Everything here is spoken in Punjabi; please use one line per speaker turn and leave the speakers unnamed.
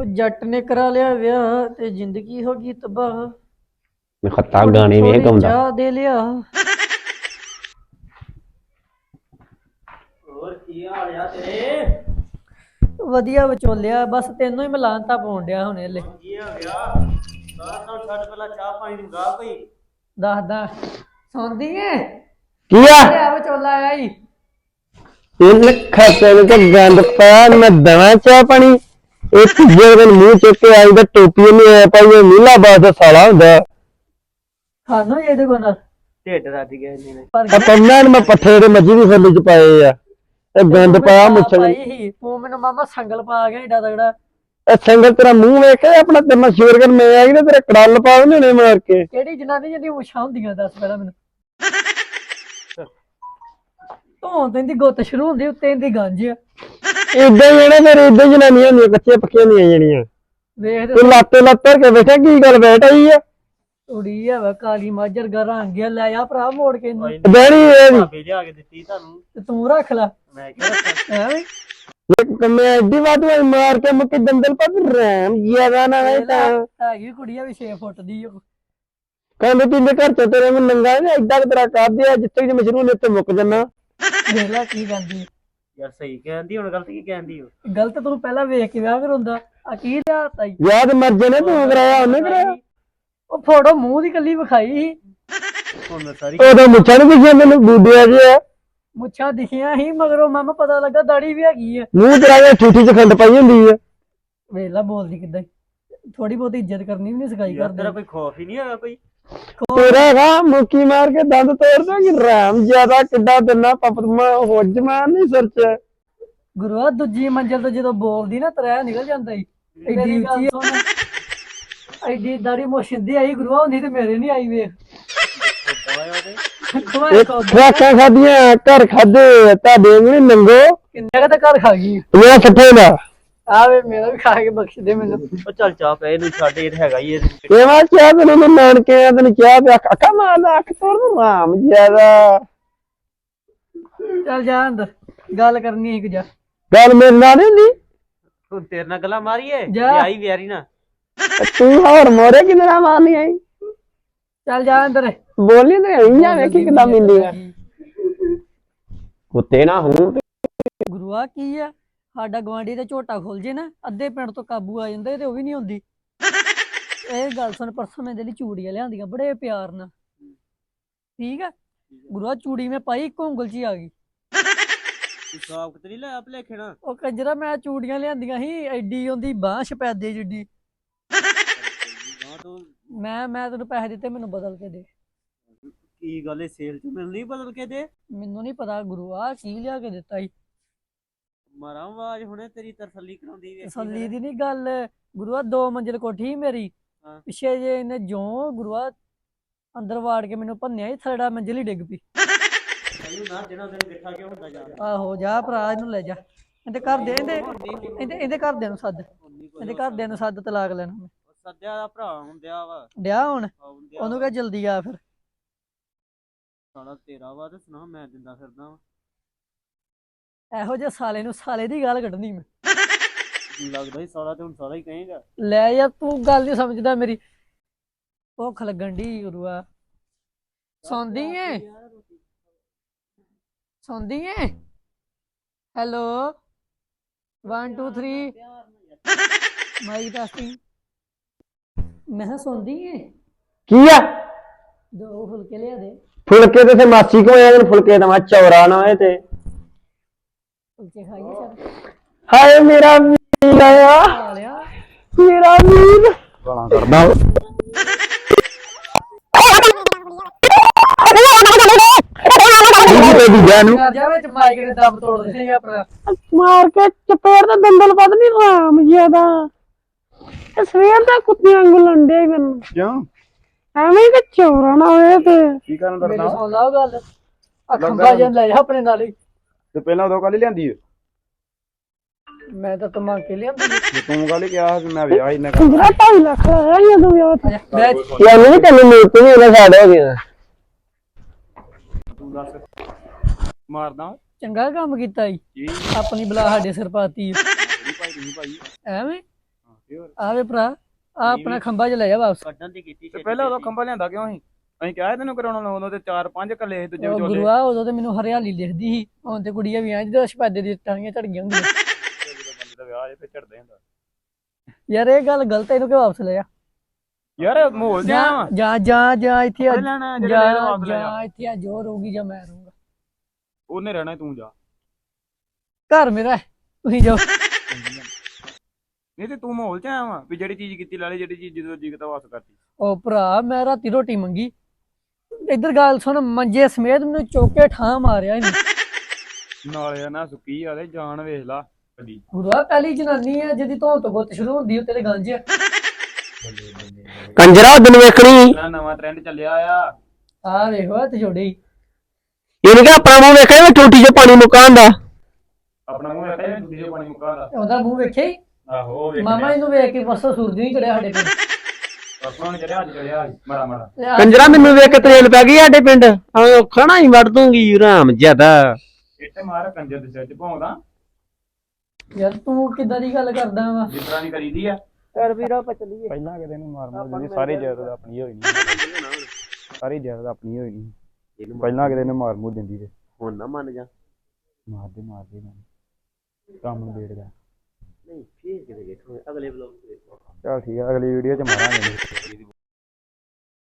ਉਹ ਜੱਟ ਨੇ ਕਰਾ ਲਿਆ ਵਿਆਹ ਤੇ ਜ਼ਿੰਦਗੀ ਹੋ ਗਈ ਤਬਾਹ।
ਮੈਂ ਖੱਤਾ ਗਾਣੇ ਵੇਖ ਆਉਂਦਾ।
ਚਾਹ ਦੇ ਲਿਆ।
ਹੋਰ ਕੀ ਹਾਲ ਆ ਤੇਰੇ?
ਵਧੀਆ ਵਿਚੋਲਿਆ, ਬਸ ਤੈਨੂੰ ਹੀ ਮਿਲਾਨਤਾ ਪਾਉਣ ਡਿਆ ਹੁਣੇ ਹਲੇ।
ਕੀ ਹੋ ਗਿਆ? ਬਾਹਰ ਤੋਂ ਛੱਡ ਪਹਿਲਾਂ ਚਾਹ ਪਾਣੀ ਦੀ ਗਾ ਕੋਈ।
ਦੱਸਦਾ ਸੌਂਦੀ ਏ
ਕੀ ਆ
ਲਿਆ ਵਿਚੋਲਾ ਆਇਆ ਈ।
ਇਹ ਖਾਤੇ ਨੂੰ ਤਾਂ ਗੰਦ ਪਾ ਮੈਂ ਦਵਾਂ ਚਾਹ ਪਾਣੀ। ਇਹ ਤੀਜੇ ਦਿਨ ਮੂੰਹ ਚੁੱਕ ਕੇ ਆਈ ਤਾਂ ਟੋਪੀ ਨਹੀਂ ਆਇਆ ਪਾਈ। ਇਹ ਨੀਲਾ ਬਾਸ ਦਾ ਸਾਲਾ ਹੁੰਦਾ।
ਖਾਨੋ ਇਹਦੇ ਕੋਲ ਨਾਲ
ਢਿੱਡ ਰੱਜ ਗਿਆ ਇਹਨੇ ਨੇ।
ਆ ਪੰਨਾਂ ਮੈਂ ਪੱਠੇ ਦੇ ਮੱਝੀ ਦੀ ਫੁੱਲ ਚ ਪਾਏ ਆ। ਇਹ ਗੰਦ ਪਾਇਆ ਮੁੱਛਾਂ
ਤੂੰ ਮੈਨੂੰ ਮਾਮਾ ਸੰਗਲ ਪਾ ਗਿਆ ਏਡਾ ਤਗੜਾ।
ਇਹ ਸੰਗਲ ਤੇਰਾ ਮੂੰਹ ਵੇਖ ਕੇ ਆਪਣਾ ਤੇ ਮਸ਼ਹੂਰ ਕਰ ਮੈਂ ਆਈ ਨਾ ਤੇਰੇ ਕੜਲ ਪਾ ਉਹਨੇ ਨੇ ਮਾਰ ਕੇ।
ਕਿਹੜੀ ਜਨਾਨੀ ਜਿਹਦੀ ਮੁੱਛਾਂ ਹੁੰਦੀਆਂ ਦੱਸ ਪਹਿਲਾਂ ਮੈਨੂੰ। ਧੋਣ ਤੇ ਇਹਦੀ ਗੁੱਤ ਸ਼ੁਰੂ ਹੁੰਦੀ ਉੱਤੇ ਇਹਦੀ ਗੰਜ ਆ।
ਇਦਾਂ ਹੀ ਨਾ ਫਿਰ ਇਦਾਂ ਜਨਾਨੀਆਂ ਹੁੰਦੀਆਂ ਕੱਚੇ ਪੱਕੀਆਂ ਨਹੀਂ ਜਿਹੜੀਆਂ।
ਵੇਖ
ਤੂੰ ਲੱਤ ਲੱਤਰ ਕੇ ਬੈਠਾ ਕੀ ਗੱਲ ਬੈਠ ਆਈ ਆ।
ਕੁੜੀ ਆ ਵਾ ਕਾਲੀ ਮਾਜਰ ਗਰਾਂ ਗਿਆ ਲੈ ਆ ਭਰਾ ਮੋੜ ਕੇ ਇਹਨੂੰ।
ਬੈਣੀ ਇਹਦੀ
ਭਾਬੀ ਲਿਆ ਕੇ ਦਿੱਤੀ ਤੁਹਾਨੂੰ
ਤੇ ਤੂੰ ਰੱਖ ਲੈ
ਮੈਂ ਕਿਹਾ ਰੱਖਾਂ।
ਐਵੇਂ
ਇੱਕ ਮੈਂ ਐਡੀ ਵਾਰ ਮਾਰ ਕੇ ਮੁੱਕੇ ਦੰਦਲ ਪਾ ਰੈਮ ਜਿਆਦਾ ਨਾ ਨਹੀਂ ਤਾਂ
ਹੈਗੀ ਕੁੜੀ ਆ ਵੀ 6 ਫੁੱਟ ਦੀ ਉਹ।
ਕਹਿੰਦੇ ਤਿੰਨੇ ਘਰ ਚ ਤੇਰੇ ਨੂੰ ਨੰਗਾ ਨੇ ਐਡਾ ਤੇਰਾ ਕਰਦੇ ਆ ਜਿੱਥੇ ਜੇ ਮਸ਼ਰੂ ਨੇ ਉੱਤੇ ਮੁੱਕ ਜੰਨਾ।
ਦੇਖ ਲੈ ਕੀ ਕਹਿੰਦੀ
ਯਾਰ ਸਹੀ ਕਹਿੰਦੀ ਹੁਣ ਗਲਤ ਕੀ ਕਹਿੰਦੀ ਹੋ?
ਗਲਤ ਤੂੰ ਪਹਿਲਾਂ ਵੇਖ ਕੇ ਵਿਆਹ ਕਰਾਉਂਦਾ ਆ ਕੀ ਲਿਆਤਾ ਈ।
ਯਾਦ ਮਰ ਜਨੇ ਤੂੰ ਕਰਾਇਆ ਉਹਨੇ ਕਰਾਇਆ।
ਉਹ ਫੋਟੋ ਮੂੰਹ ਦੀ ਕੱਲੀ ਵਿਖਾਈ ਸੀ।
ਹੁਣ ਮੈਂ ਸਾਰੀ
ਉਹਦਾ ਮੁੱਛਾਂ ਨੂੰ ਦਿਖਿਆ ਮੈਨੂੰ ਬੂਡਿਆ ਜਿਹਾ।
ਮੁੱਛਾਂ ਦਿਖੀਆਂ ਸੀ ਮਗਰੋਂ ਮਾਮਾ ਪਤਾ ਲੱਗਾ ਦਾੜੀ ਵੀ ਹੈਗੀ ਆ।
ਮੂੰਹ ਤੇਰਾ ਇਹ ਠੂਠੀ ਚ ਖੰਡ ਪਾਈ ਹੁੰਦੀ ਆ।
ਵੇਲਾ ਬੋਲਦੀ ਕਿੱਦਾਂ ਥੋੜੀ ਬਹੁਤੀ ਇੱਜ਼ਤ ਕਰਨੀ ਵੀ ਨਹੀਂ ਸਿਖਾਈ
ਯਾਰ
ਕਰਦੇ।
ਤੇਰਾ ਕੋਈ ਖੌਫ ਹੀ ਨਹੀਂ ਹੈਗਾ ਕੋਈ?
ਤੇਰਾ ਹੈਗਾ ਮੁੱਕੀ ਮਾਰ ਕੇ ਦੰਦ ਤੋੜ ਦੋ ਕਿ ਰਾਮ ਜਿਆਦਾ ਕਿੱਡਾ ਦਿਨਾ ਪਪਤਮਾ ਹੁੱਜ ਮਾਰ ਨਹੀਂ ਸਿਰ ਚ।
ਗੁਰੂਆ ਦੂਜੀ ਮੰਜ਼ਲ ਤੋਂ ਜਦੋਂ ਬੋਲਦੀ ਨਾ ਤਰਾ ਨਿਕਲ ਜਾਂਦਾ ਈ। ਐਡੀ ਉੱਚੀ ਐਡੀ ਦਾੜੀ ਮੋਸ਼ਿੰਦੀ ਆਈ ਗੁਰੂਆ ਹੁੰਦੀ ਤੇ ਮੇਰੇ ਨਹੀਂ ਆਈ ਵੇਖ।
ਖਰਾਕਾਂ ਖਾਦੀਆਂ ਘਰ ਖਾਦੇ ਤੁਹਾਡੇ ਵੀ ਨੰਗੋ
ਕਿੰਨੇ ਦਾ ਘਰ ਖਾ ਗਈ
ਮੇਰਾ ਸੱਠੇ ਦਾ
ਆਵੇ ਮੇਰਾ ਵੀ ਖਾ ਕੇ ਬਖਸ਼ ਦੇ ਮੈਨੂੰ।
ਉਹ ਚੱਲ ਚਾਹ ਪੈ ਇਹਨੂੰ ਛੱਡ ਇਹ ਹੈਗਾ ਹੀ ਇਹ।
ਇਹ ਮੈਂ ਕਿਹਾ ਤੈਨੂੰ ਨਾਨਕੇ ਆ ਤੈਨੂੰ ਕਿਹਾ ਪਿਆ ਅੱਖਾਂ ਮਾਰਦਾ ਅੱਖ ਤੋੜ ਦੂੰ ਰਾਮ ਜਿਆਦਾ।
ਚੱਲ ਜਾ ਅੰਦਰ ਗੱਲ ਕਰਨੀ ਇੱਕ ਜਾ।
ਗੱਲ ਮੇਰੇ ਨਾਲ ਨਹੀਂ ਹੁੰਦੀ।
ਹੁਣ ਤੇਰੇ ਨਾਲ ਗੱਲਾਂ ਮਾਰੀਏ
ਜਾ।
ਆਈ ਵਿਆਰੀ ਨਾ
ਤੂੰ ਹੋਰ ਮੋਰੇ ਕਿੰਨੇ ਨਾਲ ਮਾਰਨੀ ਆਈ।
ਚੱਲ ਜਾ ਅੰਦਰ
ਬੋਲੀ ਤੇ ਆਈ ਆ ਵੇਖੀ ਕਿੱਦਾਂ ਮਿਲਦੀ ਆ। ਕੁੱਤੇ ਨਾ ਹੂੰ
ਗੁਰੂਆ ਕੀ ਆ ਸਾਡਾ ਗਵਾਂਢੀ ਤੇ ਝੋਟਾ ਖੁੱਲ ਜੇ ਨਾ ਅੱਧੇ ਪਿੰਡ ਤੋਂ ਕਾਬੂ ਆ ਜਾਂਦਾ ਤੇ ਉਹ ਵੀ ਨਹੀਂ ਹੁੰਦੀ। ਇਹ ਗੱਲ ਸੁਣ ਪਰਸੋਂ ਮੈਂ ਲਈ ਚੂੜੀਆਂ ਲਿਆਂਦੀਆਂ ਬੜੇ ਪਿਆਰ ਨਾਲ ਠੀਕ ਆ। ਗੁਰੂਆ ਚੂੜੀ ਮੈਂ ਪਾਈ ਇੱਕ ਉਂਗਲ 'ਚ ਹੀ ਆ ਗਈ।
ਸਾਫ ਕਿਤੇ ਨਹੀਂ ਲੈ ਆਪ ਲੈ ਖੇਣਾ।
ਉਹ ਕੰਜਰਾ ਮੈਂ ਚੂੜੀਆਂ ਲਿਆਂਦੀਆਂ ਸੀ ਐਡੀ ਉਹਦੀ ਬਾਂਹ ਸ਼ਪੈਦੇ ਜਿੱਡੀ। ਮੈਂ ਤੈਨੂੰ ਪੈਸੇ ਦਿੱਤੇ ਮੈਨੂੰ ਬਦਲ ਕੇ ਦੇ।
ਕੀ ਗੱਲ ਸੇਲ ਚ ਮੈਨੂੰ ਨਹੀਂ ਬਦਲ ਕੇ ਦੇ?
ਮੈਨੂੰ ਨਹੀਂ ਪਤਾ ਗੁਰੂਆ ਕੀ ਲਿਆ ਕੇ ਦਿੱਤਾ ਈ।
ਮਾਰਾਂ ਆਵਾਜ਼ ਹੁਣੇ ਤੇਰੀ ਤਸੱਲੀ ਕਰਾਉਂਦੀ ਵੇਖੀ
ਤਸੱਲੀ ਦੀ ਨਹੀਂ ਗੱਲ ਗੁਰੂਆ 2 ਮੰਜ਼ਿਲ ਕੋਠੀ ਮੇਰੀ ਪਿੱਛੇ ਜੇ ਇਹਨੇ ਜੋ ਗੁਰੂਆ ਅੰਦਰ ਵਾੜ ਕੇ ਮੈਨੂੰ ਭੰਨਿਆ ਹੀ ਥੜਾ ਮੰਜ਼ਿਲ ਹੀ ਡਿੱਗ ਪਈ।
ਨਾ ਜਿਹੜਾ ਦਿਨ ਗਿੱਠਾ ਕਿਉਂ ਹੁੰਦਾ ਜਾ।
ਆਹੋ ਜਾ ਭਰਾ ਇਹਨੂੰ ਲੈ ਜਾ ਇਹਦੇ ਘਰ ਦੇ ਇਹਦੇ ਘਰਦਿਆਂ ਨੂੰ ਸੱਦ ਇਹਦੇ ਘਰਦਿਆਂ ਨੂੰ ਸੱਦ ਤਲਾਕ ਲੈਣਾ ਮੈਂ।
ਸੱਦਿਆ ਦਾ ਭਰਾ ਹੁੰਦਿਆ ਵਾ
ਡਿਆ ਹੁਣ ਉਹਨੂੰ ਕਹ ਜਲਦੀ ਆ ਫਿਰ।
ਸਾਲਾ ਤੇਰਾ ਵਾ ਤੇ ਸੁਣਾ ਮੈਂ ਦਿੰਦਾ ਫਿਰਦਾ ਵਾ।
ਇਹੋ ਜਿਹੇ ਸਾਲੇ ਨੂੰ ਸਾਲੇ ਦੀ ਗੱਲ ਕੱਢਣੀ ਮੈਂ।
ਲੱਗਦਾ ਹੀ ਸਾਲਾ ਤੇ ਹੁਣ ਸਾਲਾ ਹੀ ਕਹੇਗਾ।
ਲੈ ਯਾਰ ਤੂੰ ਗੱਲ ਨਹੀਂ ਸਮਝਦਾ ਮੇਰੀ। ਭੁੱਖ ਲੱਗਣ ਦੀ ਗੁਰੂਆ। ਸੌਂਦੀ ਏ ਸੌਂਦੀ ਏ। Hello 1 2 3 mic testing. ਮੈਂ ਕਿਹਾ ਸੌਂਦੀ ਏ।
ਕੀ ਆ
2 ਫੁਲਕੇ ਲਿਆ ਦੇ।
ਫੁਲਕੇ ਤੇ ਮਾਸੀ ਕੋ ਆਇਆ ਫੁਲਕੇ ਤਾਂ ਮੈਂ ਚੌਰਾ ਨਾ ਹੋਏ ਤੇ
ਫੁਲਕੇ ਖਾਈਏ ਚੱਲ।
ਹਾਏ ਮੇਰਾ ਵੀਰ ਆਇਆ
ਖਾ ਲਿਆ
ਮੇਰਾ ਵੀਰ ਗਾਲਾਂ ਕਰਦਾ।
ਜਾ ਵਿੱਚ ਮਾਈਕ ਨੇ ਦਮ ਤੋੜ ਦਿੱਤੀ ਆਪਣਾ।
ਮਾਰ ਕੇ ਚਪੇੜ ਤੇ ਦੰਦਲ ਪਤ ਨਹੀਂ ਰਾਮ ਜਿਆਦਾ। ਤੇ ਸਵੇਰ ਦਾ ਕੁੱਤਿਆਂ ਵਾਂਗੂ ਲੰਡੇ ਮੈਨੂੰ
ਕਿਉਂ
ਐਵੇਂ ਕਿ ਚੌਰਾ ਨਾ ਹੋਏ ਤੇ
ਕੀ ਕਰਨ
ਮੇਰੇ
ਡਰਦਾ
ਸੁਣ ਲਾ ਉਹ ਗੱਲ ਖੰਭਾ ਜਾਂ ਲੈ ਜਾ ਆਪਣੇ ਨਾਲ ਹੀ।
ਤੇ ਪਹਿਲਾਂ ਉਦੋਂ ਕਾਲੀ ਲਿਆਂਦੀ ਏ
ਮੈਂ ਤਾਂ ਤਮਾ ਕੇ ਲਿਆਂਦਾ
ਤੇ ਤੂੰ ਕਾਲੀ ਕਿਹਾ ਸੀ ਮੈਂ ਵਿਆਹ ਹੀ ਨਾ ਕਰ।
2.5 ਲੱਖ ਲਾਇਆ ਹੀ ਉਦੋਂ ਵਿਆਹ ਤੇ।
ਬੈਠ
ਯਾਰ ਨਹੀਂ ਤੈਨੂੰ ਮੂਰਤੀ ਵੀ ਉਹਦਾ ਸਾਡਾ ਹੋ ਗਿਆ।
ਤੂੰ ਦੱਸ ਮਾਰਦਾ
ਚੰਗਾ ਕੰਮ ਕੀਤਾ ਈ
ਜੀ
ਆਪਣੀ ਬਲਾ ਸਾਡੇ ਸਿਰ ਪਾਤੀ
ਭਾਈ ਨਹੀਂ ਭਾਈ
ਐਵੇਂ ਆਵੇ ਭਰਾ ਆ ਆਪਣਾ ਖੰਭਾ ਚ ਲੈ ਜਾ ਵਾਪਸ।
ਕੱਢਣ ਦੀ ਕੀਤੀ
ਤੇ ਪਹਿਲਾਂ ਉਦੋਂ ਖੰਭਾ ਲਿਆਂਦਾ ਕਿਉਂ ਸੀ? ਅਸੀਂ ਕਿਹਾ ਸੀ ਤੈਨੂੰ ਕਰਾਉਣਾ ਉਦੋਂ ਤੇ 4-5 ਕੱਲੇ ਸੀ ਦੂਜੇ
ਉਹ
ਵਿਚੋਲੇ।
ਗੁਰੂਆ ਉਦੋਂ ਤੇ ਮੈਨੂੰ ਹਰਿਆਲੀ ਲਿਖਦੀ ਸੀ, ਹੁਣ ਤੇ ਕੁੜੀਆਂ ਵੀ ਆਂ ਜਿਹਦੇ ਸ਼ਪਾਦੇ ਦੀ ਟਾਂਗੀਆਂ ਝੜ ਗਈਆਂ ਹੁੰਦੀਆਂ।
ਜਦੋਂ ਬੰਦੇ ਦਾ ਵਿਆਹ ਜੇ ਫਿਰ ਝੜਦਾ ਹੁੰਦਾ।
ਯਾਰ ਇਹ ਗੱਲ ਗਲਤ ਹੈ, ਇਹਨੂੰ ਕਿ ਵਾਪਸ ਲੈ ਜਾ।
ਯਾਰ ਮਾਹੌਲ ਜਿਹਾ ਵਾ।
ਜਾਂ ਇੱਥੇ ਆ,
ਲੈਣਾ ਜਿਹੜਾ ਲੈ ਵਾਪਸ ਲੈ ਜਾ।
ਜਾਂ ਇੱਥੇ ਆ ਜੋ ਰਹੂਗੀ ਜਾਂ ਮੈਂ ਰਹੂੰਗਾ।
ਉਹਨੇ ਰਹਿਣਾ ਤੂੰ ਜਾ।
ਘਰ ਮੇਰਾ ਹੈ, ਤੁਸੀਂ ਜਾਓ।
ਨਹੀਂ ਤੇ ਤੂੰ ਮਾਹੌਲ ਚ ਆਇਆ ਵਾ ਵੀ ਜਿਹੜੀ ਚੀਜ਼ ਕੀਤੀ ਲਾਲੇ, ਜਿਹੜੀ ਚੀਜ਼ ਜਦੋਂ ਜੀ ਕੀਤਾ ਵਾਪਸ ਕਰਤੀ।
ਉਹ ਭਰਾ ਮੈਂ ਰਾਤੀ ਰੋਟੀ ਮੰਗੀ, ਇੱਧਰ ਗੱਲ ਸੁਣ, ਮੰਜੇ ਸਮੇਤ ਮੈਨੂੰ ਚੁੱਕ ਕੇ ਠਾਂ ਮਾਰਿਆ ਇਹਨੇ।
ਨਾਲੇ ਨਾ ਸੁੱਕੀ ਆਲੇ ਜਾਨ ਵੇਖ ਲਾ ਕਦੀ।
ਗੁਰੂਆ ਪਹਿਲੀ ਜਨਾਨੀ ਹੈ ਜਿਹਦੀ ਧੌਣ ਤੋਂ ਗੁੱਤ ਸ਼ੁਰੂ ਹੁੰਦੀ ਉੱਤੇ ਤੇ ਗੰਜ ਆ।
ਕੰਜਰਾ ਦਿਨ ਵੇਖਣੀ
ਇਹਦਾ ਨਵਾਂ ਟ੍ਰੈਂਡ ਚੱਲਿਆ ਆ।
ਆ ਵੇਖੋ ਹੱਥ ਜੋੜੇ ਹੀ।
ਇਹਨੇ ਕਿ ਆਪਣਾ ਮੂੰਹ ਵੇਖਿਆ ਮੈਂ ਟੂਟੀ 'ਚ ਪਾਣੀ ਮੁਕਾਉਣ ਦਾ।
ਆਪਣਾ ਮੂੰਹ ਵੇਖਿਆ ਦੂਜੇ ਦੇ ਪਾਣੀ ਮੁਕਾ ਦਾ।
ਉਹਦਾ ਮੂੰਹ ਵੇਖਿਆ ਹੀ।
ਆਹੋ ਵੇਖ
ਮਾਮਾ ਇਹਨੂੰ ਵੇਖ ਕੇ ਪਰਸੋਂ ਸੂਰਜ ਨਹੀਂ ਚੜਿਆ ਸਾਡੇ ਪਿੰਡ।
ਪਰਸੋਂ ਨੇ ਚੜਿਆ ਅੱਜ ਚੜਿਆ ਮਾੜਾ ਮਾੜਾ।
ਤੇ ਆ-
ਕੰਜਰਾ ਮੈਨੂੰ ਵੇਖ ਕੇ ਤਰੇਲ ਪੈ ਗਈ ਸਾਡੇ ਪਿੰਡ। ਹਾਂ ਖਾਣਾ ਹੀ ਵੜ ਦੂੰਗੀ ਰਾਮ ਜਿਆਦਾ।
ਇੱਥੇ ਮਾਰ ਕੰਜਰ ਦੇ ਸਿਰ 'ਚ ਭੌਂਦਾ
ਯਾਰ ਤੂੰ ਕਿੱਦਾਂ ਦੀ ਗੱਲ ਕਰਦਾ ਵਾ?
ਜਿਸ ਤਰ੍ਹਾਂ ਦੀ ਕਰੀਦੀ ਆ।
ਯਾਰ ਵੀਰਾ ਆਪਾਂ ਚੱਲੀਏ।
ਪਹਿਲਾਂ ਕਿਤੇ ਨੂੰ ਮਾਰ ਮੂਰ ਦਿੰਦੀ, ਸਾਰੀ ਜਾਇਦਾਦ ਆਪਣੀ ਹੋਈ ਨਹੀਂ। ਸਾਰੀ ਜਾਇਦਾਦ ਆਪਣੀ ਹੋਈ ਨਹੀਂ। ਪਹਿਲਾਂ ਕਿਤੇ ਨੂੰ ਮਾਰ ਮੂਰ ਦਿੰਦੀ ਤੇ
ਹੁਣ ਨਾ ਮੰਨ ਜਾ।
ਮਾਰਦੇ ਮੈਨੂੰ ਕੰਮ ਨੂੰ ਵੇੜਦਾ।
ਨਹੀਂ ਫੇਰ ਕਿਤੇ ਵੇਖੋ ਅਗਲੇ ਬਲੌਗ ਤੇ ਵੇਖੋ।
ਚਲ ਠੀਕ ਆ, ਅਗਲੀ ਵੀਡੀਓ 'ਚ ਮਾਰਾਂਗੇ।